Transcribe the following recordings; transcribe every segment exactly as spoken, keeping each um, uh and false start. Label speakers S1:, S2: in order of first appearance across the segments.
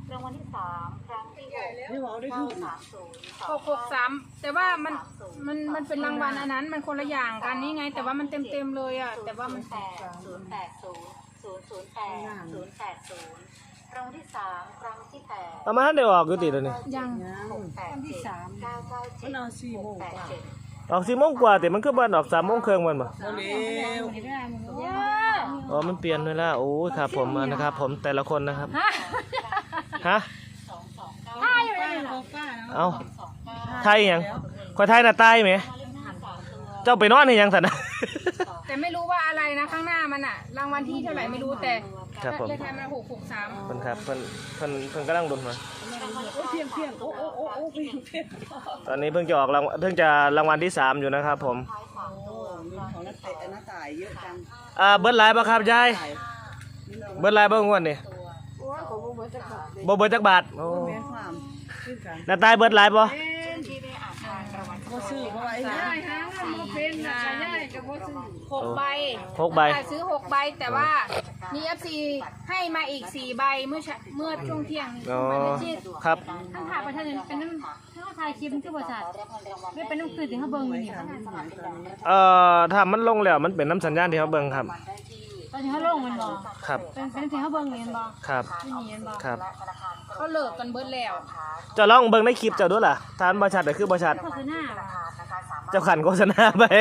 S1: รางวัลที่สามครั้งที่หกเก้าสามศูนย์
S2: หกหกสามแต่ว่ามันมันมันเป็นรางวัลอันนั้นมันคนละอย่างกันนี่ไงแต่ว่ามันเต็มเต็มเลยอ่ะแต่ว่ามัน
S1: แปดศูนย์แปดศูนย์ศูนย์ศูนย์แปดศูนย์แปดศูนย์รางวัลที่สามครั้งที่แปด
S3: ประมาณได้ออกอยู่ติดเลยนี่
S2: ยัง
S1: หกแปดเจ็ดเก้าเก้าเจ็ดหกแปดเจ็ด
S3: ออกสี่โมงกว่าแต่มันคือบ้านออกสามโมงครึ่งมันบ่อ๋อมันเปลี่ยนเวลาโอ้ยครับผมนะครับผมแต่ละคนนะครับฮะเอาไทยยังคนไทยน่ะตายไหมเจ้าไปนอนในยังสันนะ
S2: แต่ไม่รู้ว่าอะไรนะข้างหน้ามันอ่ะรางวัลที่เท่าไหร่ไม่รู้แต่เลขท้ายมันหกหกสาม
S3: เพิ่นครับเพิ่นเพิ่นเพิ่นกำลังดุนมา
S4: เพียงเพียงโอ้โอ้โอ้โอ้เพียงเพียง
S3: ตอนนี้เพิ่งจะออกรางเพิ่งจะรางวัลที่สามอยู่นะครับผม
S4: ของนักเตะนักตายเยอะจัง
S3: อ่าเบิร์ดไลน์ป่ะครับยายเบิร์ดไลน์บ้างวันนี่บ่เบิร์ดจักบาทโอ้น้าตายเบิร์ดไลน์ป่ะ
S2: หกใบ
S3: หกใบ
S2: ซื้อหกใบแต่ว่ามีเอฟซีให้มาอีกสี่ใบเมื่อเมื่อช่วงเที่ยง
S3: อ๋อครับ
S2: ทั้งถ่ายประชาชนเป็นน้ำทั้งถ่ายคลิปที่บริษัทไม่เป็นน้ำคือถึงเขาเบิ้งอยู่นี่
S3: เอ่อถ้ามันลงแล้วมันเป็นน้ำสัญญาณที่เขาเบิ้งครับ
S2: ตอนที่เขาลงมันบอก
S3: ครับ
S2: เป็นเป็นที่เขาเบิ้งเรียนบอก
S3: ครับ
S2: ไม่เรียนบอก
S3: ครับ
S2: เขาเลิกกันเบิ้ลแล้ว
S3: จะลองเบิ้งในคลิปเจ้าด้วยล่ะทานบริษัทแต่คือบริษัทเจ้าขันโฆษณาไป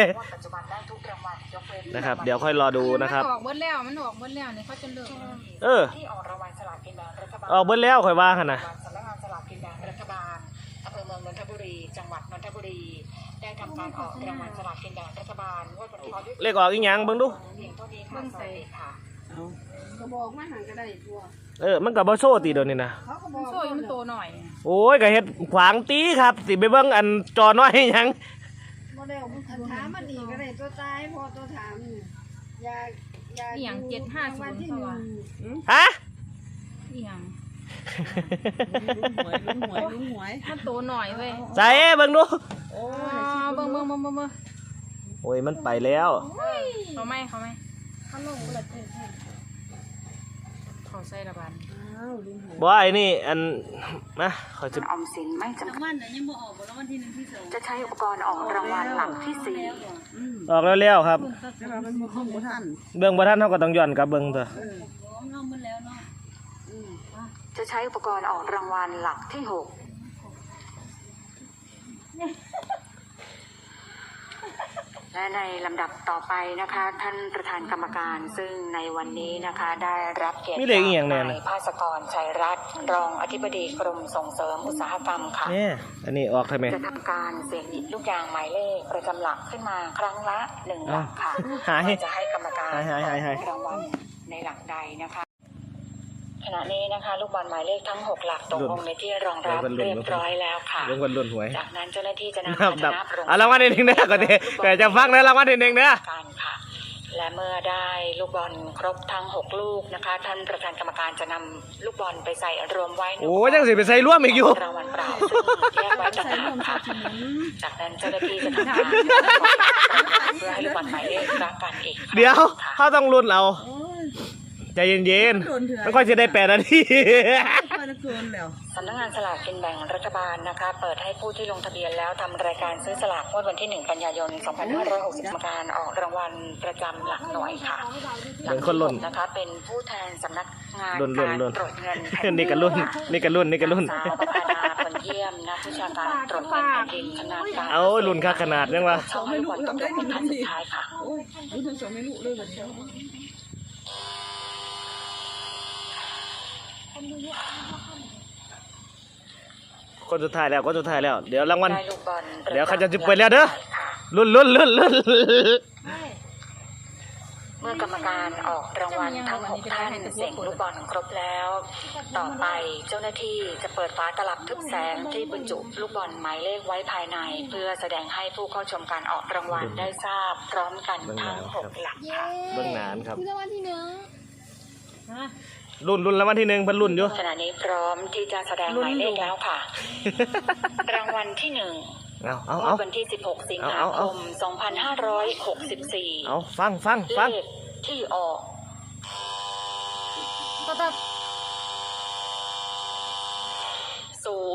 S3: นะครับเดี๋ยวค่อยรอดูนะครับ
S2: ออกเบิ้ลแล้วมันออกเบิ้ลแล้วเนี่ยเขาจะเลิก
S3: เออออกเบิ้ลแล้วค่อยว่ากันนะ
S1: สำนักงานสลากกินแบ่งรัฐบาลอำเภอเมืองนนทบุรีจังหวัดนนทบุรีได้ทำการออกรางวัลสลากกินแบ่งรัฐบาลงวดวันที่
S3: เลขออกอีกอย่างเบิ่งดู
S1: เพียงเท่านี้ค่ะสวัสดีค่ะ
S4: ก็บอกมาหางก็ได้ทั่ว
S3: เออมันก็บ่โซ่ติเดี๋ยวนี้นะ
S2: โซ่มันโตหน่อย
S3: โอ้ยก็เฮ็ดขวางตีครับสิไปเบิ่งอันจอน้อยหยัง
S4: บ่ได้เอาถามมันอีกก็ได้ตัวตายพอตัวถามอย่าอย่า
S2: อย่างเจ็ดห้าศูนย์ตัว
S3: ฮะ
S2: อย่าง
S4: ลุ้นหวยลุ้นหวยลุ้นหวย
S2: มันโตหน่อยเว้ย
S3: ใจเบิ่งดู
S2: โอ้เบิ่งเบิ่งเบิ่งเบิ่ง
S3: โอ้ยมันไปแล้ว
S2: เขาไม่เขาไม่เขาลงละเท่เขาใส่ระบาด
S3: บ่ไอ้นี่อันนะขอจะ
S1: ออมสินไม่จำกัดจะใช้อุปกรณ์ออกรางวัลหลักที่สี่
S3: ออกแล้วๆครับเบิ่งบ่ทันเฮาก็ต้องย้อนกลับเบิ่งเถอะ
S1: จะใช้อุปกรณ์ออกรางวัลหลักที่หกและในลำดับต่อไปนะคะท่านประธานกรรมการซึ่งในวันนี้นะคะได้รับเกียรติจากนายภาสกรชัยรัตน์รองอธิบดีกรมส่งเสริมอุตสาหกรรมค่ะ
S3: เนี่ยอันนี้ออกทำไม
S1: จะทำการเสี่ยงหยิบลูกยางหมายเลขประจำหลักขึ้นมาครั้งละหนึ่งหลักค่ะจะให้กรรมการรางวัลในหลักใดนะคะขณะนี้นะคะลูกบอลหมายเลขทั้งหกหลักตกลงในที่รองรับเรียบร้อยแล้วค่ะจากนั้นเจ้าหน้าที่จะนำมานับลง
S3: รางวัลที่หนึ่งเนี่ยก่อนดิแต่จะฟังนะรางวัลที่หนึ่งเนี่ย
S1: การค่ะและเมื่อได้ลูกบอลครบทั้งหกลูกนะคะท่านประธานกรรมการจะนำลูกบอลไปใส่รวมไว้
S3: โอ้ยังสิไปใส่ร่วมอีกอยู่
S1: รางวัลเปล่าซึ่งแยกไว้ต่างหากค่ะจากนั้นเจ้าหน้าที่จะทำการเพื่อให้ลูกบอลหมายเลขรักกันอีก
S3: เดี๋ยวเขาต้องลุ้นเอาใจเย็นๆไม่ค่อยจะได้แปดนาที
S1: สำนักงานสลากกินแบ่งรัฐบาลนะคะเปิดให้ผู้ที่ลงทะเบียนแล้วทำรายการซื้อสลากงวดวันที่หนึ่งกันยายนสองพันห้าร้อยหกสิบการออกรางวัลประจำหลักหน่วยค่ะ
S3: เป็นคนลุ้น
S1: นะคะเป็นผู้แทนสำนักงาน
S3: การ
S1: ตรวจเงิน
S3: นี่กันลุ้นนี่กันลุ้นนี่กันลุ้น
S1: สาวประภาดาคนเยี่ยมนักวิชาการตรวจเงินแผ่นดินขนาดกลาง
S3: เอาลุ้นค่าขนาดยังวะ
S1: สองไม่รู้ต้องได้เป็นท่านสุดท้ายค่ะ
S4: รู้ทั้งสองไม่รู้เลยแบบนี้
S3: คนสุดท้ายแล้วคนสุดท้ายแล้วเดี๋ยวรางวัลเดี๋ยวเขาจะจุดไปแล้วเด้อลุ้นลุ้นลุ้นลุ้น
S1: เมื่อกรรมการออกรางวัลทั้งหกท่านเสี่ยงลูกบอลครบแล้วต่อไปเจ้าหน้าที่จะเปิดฝาตลับทึบแสงที่บรรจุลูกบอลหมายเลขไว้ภายในเพื่อแสดงให้ผู้เข้าชมการออกรางวัลได้ทราบพร้อมกันทั้งหกหลักค่ะ
S3: เบื้องหน้าครับรางวัลที่หนึ่งรุ่นรุ่นรางวัลที่หนึ่งพันรุ่นอยู่
S1: ขณะนี้พร้อมที่จะแสดงหมายเลขแล้วค่ะรางวัลที่หนึ่ง
S3: เอาเอาเอา
S1: วันที่สิบหกสิงหาคมสองพันห้าร้อยหกสิบสี่
S3: เอาฟังฟังฟัง
S1: เลขที่ออก
S2: ก็ต้อง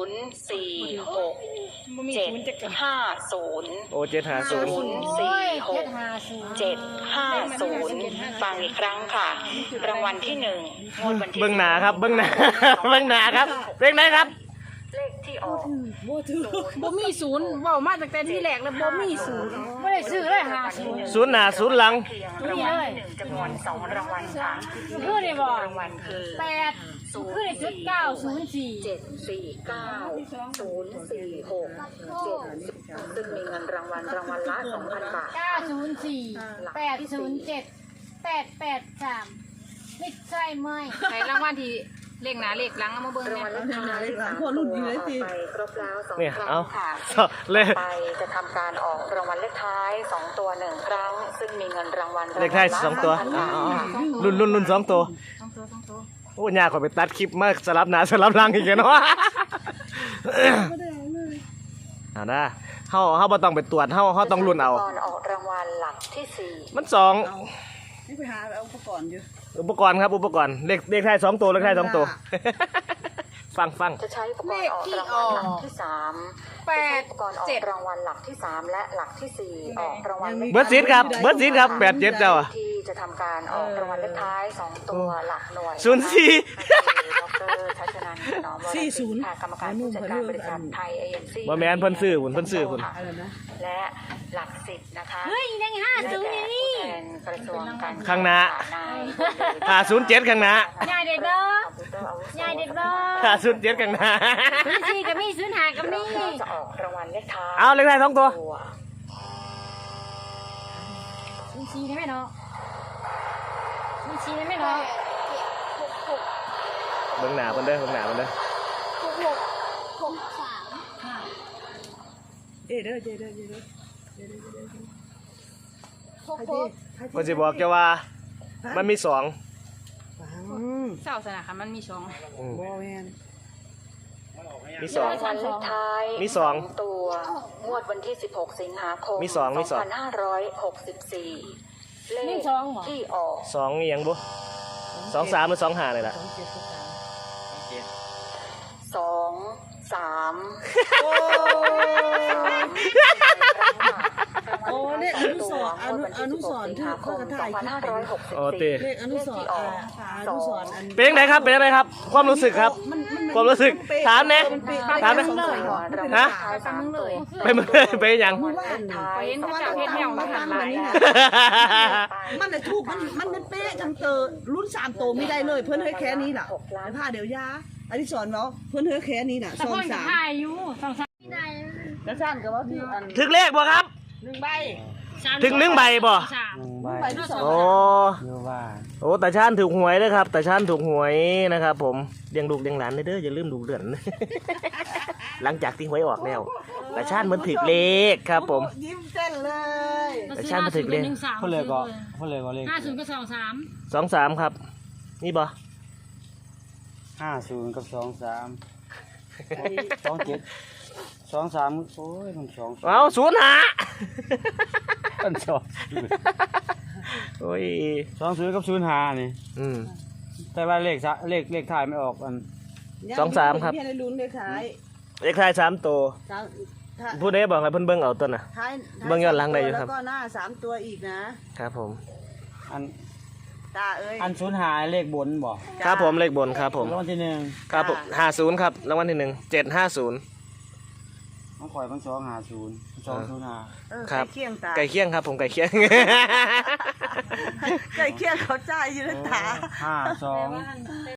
S1: นย์สี่หก
S2: บ่มี
S1: เจ็ด
S2: ศูนย์จะเกิด
S1: ห้าศูนย์
S3: โอ้เจ็ดหาศูนย์
S1: ศูนย์สี่หกเจ็ดห้าศูนย์ฟังอีกครั้งค่ะ รางวัลที่หนึ่งงวดวันที่
S3: เบิ้งหนาครับเบิ้งหนา เบิ้งหนาครับเลขไหนครับ
S1: เลขที่ออก
S2: บ่มีศูนย์เว้ามาตั้งแต่ที่แรกแล้วบ่มีศูนย์บ่ได้ซื้อเลยหาศูนย์
S3: ศูนย์หนาศูนย์หลัง
S1: เพียงรางวัลที่หนึ่งจำนวนสองรางวัลค่ะ
S2: คือได้บ่
S1: รางวัลคือ
S2: แปดคือได้ชุดเก้าศูนย์สี่
S1: เจ็ดสี่เก้าศูนย์สี่หกเจ็ดซึ่งมีเงินรางวัลรางวัลละสองพันบาท
S5: เก้าศูนย์สี่แปดศูนย์เจ็ดแปดแปดสามไม่ใช่ไหม
S2: ใช้รางวัลที่เลขหน้าเลขหลังเอามาเบิ่ง
S1: ราง
S2: เนี่
S1: วัล
S2: ย
S1: เลขท้ายสามตัวออกไปครบแล้วสอง
S3: เนี่ย
S1: ครั้
S3: เอา
S1: งค่ะ
S3: เลข
S1: ไปจะทำการออกรางวัลเลขท้ายสองตัวหนึ่งครั้ง ซึ่งมีเงินรางวัล
S3: เลขท้ายสองตัว
S1: รางวัลละ
S3: อ๋อ
S1: สองพันบาท
S3: รุ่นรุ่นรุ่นสองตัว
S2: สองตัวสองตัว
S3: โอ้ยากกว่าไปตัดคลิปมาสลับหนาสลับหลังอีกเนาะเอาได้เฮาเฮาบ่ต้องไปตรวจเฮาเฮาต้องรุ่นเอา
S1: ก่อนออกรางวัลหลักที่สี่
S3: มันสอง
S6: นี่ไปหาเอาอุปกรณ์อยู่
S3: อุปกรณ์ครับอุปกรณ์เลขเลขท้ายสองตัวเลขท้ายสองตัว ฟังฟัง
S1: จะใช้อุปกรณ์ออกรางวัลหลักที่สาม
S2: แป
S1: จะใช้
S2: ด
S1: อุปกรณ์ออก
S2: เจ็ด
S1: รางวัลหลักที่สามและหลักที่สี่ออกรางวัลเลข
S3: เบิร์ดซีดครับเบิร์ดซีดครับแปดเจ็ดเจ้าอะ
S1: ที่จะทำการออกรางวัลเลขท้ายสองตัวหลักหน่วย
S3: ศูนย์สี่
S1: ดรชัชนันท์ถนอมวรสิทธิ์ค่ะกรรมการผู้จัดการบริษัทไทยเอเจนซี่
S3: บ่แม่นเพิ่นซื้อหุ่นเพิ่นซื้อหุ่น
S6: อะไรนะ
S1: และหลักสิบนะคะ
S5: เฮ้ยยังห้าศูนย์อยู่นี่
S1: แทนกระทรวงการ
S3: ข้างหน้า
S1: นาย
S3: ห้าศูนย์เจ็ดข้างหน้า
S5: ยายเด็กเด้อ
S1: คอมพิวเตอร์อาวุโส
S5: ยายเด็กเด้อ
S3: ห้าศูนย์เจ็ดข้างหน้า
S5: ศูนย์สี่กับมีศูนย์ห้ากับมี
S1: เราจะออกรางวัลเลขท้าย
S3: เอาเลขท้ายสองตัว
S5: ศูนย์สี่ได้ไหมเนาะศูนย์สี่ได้ไหมเนาะ
S3: เบิ่งหน้าเพิ่นเด้อเบิ่งหน้าเพิ่นเด้อ
S5: หกหกหกสาม
S6: เอ้เด้อเด้อเด้อเด้อเด้อ
S5: หกหก
S3: เพิ่นสิบอกจะว่ามันมีสอง
S6: ฟัง
S2: เศร้าสนะค่ะมันมีสอง
S3: อืม
S6: บอแมน
S3: มีสอง
S1: รางวัลเลขท้าย
S3: มีสอง
S1: ตัวงวดวันที่สิบหกสิงหาคม
S3: มีสองมีสอง
S1: พันห้าร้อยหกสิบสี่เลขที่ออก
S3: สองอีหยังบ่สองสามหรือสองห้านี่แหละ
S6: สองเจ็ดสองสาม
S1: สองสาม
S6: โอ้โอ้เลขอนุสรณ์อนุอนุสรณ์ที่เขาจะถ่ายคลิปไป
S3: โอ้ติ
S6: เลขอนุสรณ์อ่าอนุสรณ์อัน
S3: เป็นยังไงครับเป็นยังไงครับ ความรู้สึกครับ
S6: มันมัน
S3: ความรู้สึกถามแน่ถามแน่ฮะ
S1: สามเลย
S3: ไปมึงเลยไปหยัง
S6: เมื่อวานนี่
S2: ไปเห็นเขาเจ้าเฮ็ดแนว
S6: มา
S2: มา
S6: ตั้
S2: ทาง ง
S6: มา
S2: ไหน
S6: นี่นะมันเลยถูกมันมันเป็นเป๊ะจังเตอรุ่นสามโตไม่ได้เลยเพื่อนเฮ้ยแค่นี้ล่ะไอ้ผ้าเดี๋ยวยาอันนี้สอนเราเพื่อนเฮ้ยแค่นี้น่ะ
S5: แต่
S6: สอ
S5: พ่
S6: ง
S5: อจะ
S6: สาม
S5: ถ่ายอยู่สองสามไม่ได้
S6: แล้วสั้นก็ว่าที่อัน
S3: ถึงเลขบ่ครับ
S6: หนึ่งใบ
S3: ถึงหนึ่งใบบ่
S5: สาม
S6: ใบที่สอง
S3: โอ้โอ้ตาชานถูกหวยเลยครับตาชานถูกหวยนะครับผมเลี้ยงลูกเลี้ยงหลานเด้ออย่าลืมดูเดือน หลังจากที่หวยออกแล้วตาชานมันถึกเลขครับผม
S6: ยิ้มเต้นเลย
S3: แต่ชาติมาถึงเลย
S5: หนึ่งสาม
S7: พูดเลยก็พูดเลยก็เลข
S5: ห้าศูนย์ก็สองสาม
S3: สองสามครับ นี่บ่
S7: ห้าศูนย์กับสองสามสองเจ็ดสองสามโอ้ยมันสอง
S3: เอาศูนย์หา
S7: มันสอง
S3: โอ้ย
S7: สองศูนย์กับศูนย์ห้านี่
S3: อืม
S7: แต่ว่าเลขสะเลขเลขท้ายไม่ออกอัน
S3: สองสามครับ
S6: พี่ให้ลุ้นเลขท้าย
S3: เลขท้ายสามตัว
S6: สามถ้า
S3: ผู้ใดบอกให้เพิ่นเบิ่งเอาตัวน่ะ
S6: ท้าย
S3: เบิ่งย้อนหลังได้อยู่ครับ
S6: แล้วก็หน้าสามตัวอีกนะครับ
S3: ผม
S7: อัน
S6: ตาเอ้ย
S7: อันศูนย์ห้าเลขบนบ่
S3: ครับผมเลขบนครับผม
S7: รางวัลที่หนึ่ง
S3: ครับผมห้าศูนย์ครับรางวัลที่หนึ่งเจ็ดห้าศูนย์
S7: มันข่อยมันสองห้าศูนย์สองศูนย์ห้า
S6: เออ
S3: ครับ
S6: ใกล้เคียงตา
S3: ไก่เคียงครับผมไก่เคียง
S6: ใกล้เคียงเขาจ่ายอยู่ในตา
S7: ห้าสอง